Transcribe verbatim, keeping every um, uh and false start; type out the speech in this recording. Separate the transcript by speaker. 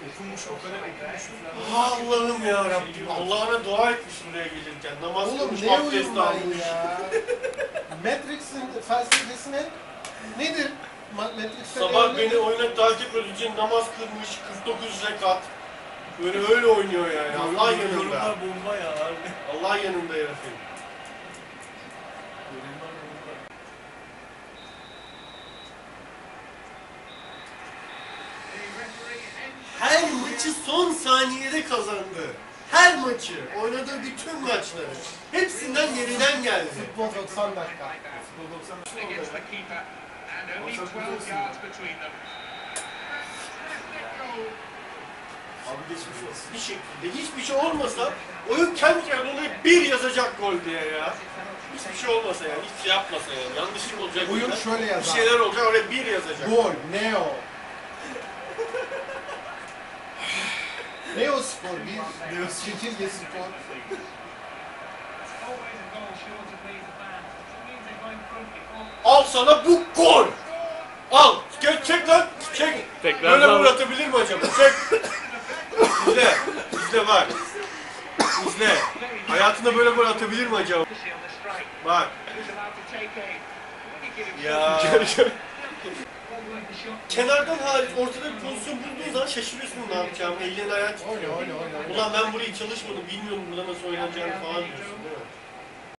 Speaker 1: Okunmuş o kadar okunmuş
Speaker 2: Allah'ım ya Rabbim. Allah'ına dua etmiş buraya gelirken. Namaz
Speaker 3: Oğlum
Speaker 2: kılmış,
Speaker 3: ne
Speaker 2: abdest
Speaker 3: uyum var
Speaker 2: almış.
Speaker 3: ya? Matrix'in felsefesi ne? Nedir? Ma- Matrix'te
Speaker 2: Sabah
Speaker 3: ne-
Speaker 2: beni oyuna takip için namaz kılmış, kırk dokuz rekat. Böyle öyle oynuyor yani. Allah yanında.
Speaker 1: Yorumlar bomba ya abi.
Speaker 2: Allah yanında herifin.
Speaker 1: Yorumlar bomba.
Speaker 2: Her maçı son saniyede kazandı. Her maçı, oynadığı bütün maçları. Hepsinden geriden geldi.
Speaker 3: Futbol doksan dakika.
Speaker 1: Futbol doksan
Speaker 4: Against the keeper, and only
Speaker 1: Olsa
Speaker 4: twelve
Speaker 1: kurtulsun.
Speaker 4: yards between them.
Speaker 1: Abi geçmiş olsun.
Speaker 2: Bir şekilde hiçbir şey olmasa oyun kendi kendine bir yazacak gol diye ya. Hiçbir şey olmasa yani, hiçbir şey yapmasa yani. Yanlışlık olacak.
Speaker 3: Oyun
Speaker 2: burada.
Speaker 3: şöyle
Speaker 2: Bir
Speaker 3: yazar.
Speaker 2: şeyler olacak, oraya bir yazacak.
Speaker 3: Gol, Neo. Neo Spor, bir Neo çekirge spor.
Speaker 2: Al sana bu gol! Al! Çek, çek lan! Çek!
Speaker 5: Tekrar
Speaker 2: Böyle
Speaker 5: daha-
Speaker 2: gol atabilir mi acaba? Çek! İzle! İzle bak! İzle! Hayatında böyle gol atabilir mi acaba? Bak! Ya! Kenardan hariç ortada bir pozisyon bulduğun zaman şaşırıyorsun ne yapacağımı. Ellerini ayağını
Speaker 3: Oyna,
Speaker 2: tutuyor.
Speaker 3: oyna, oyna.
Speaker 2: Ulan ben burayı çalışmadım, bilmiyorum burada nasıl oynanacağını falan diyorsun değil mi?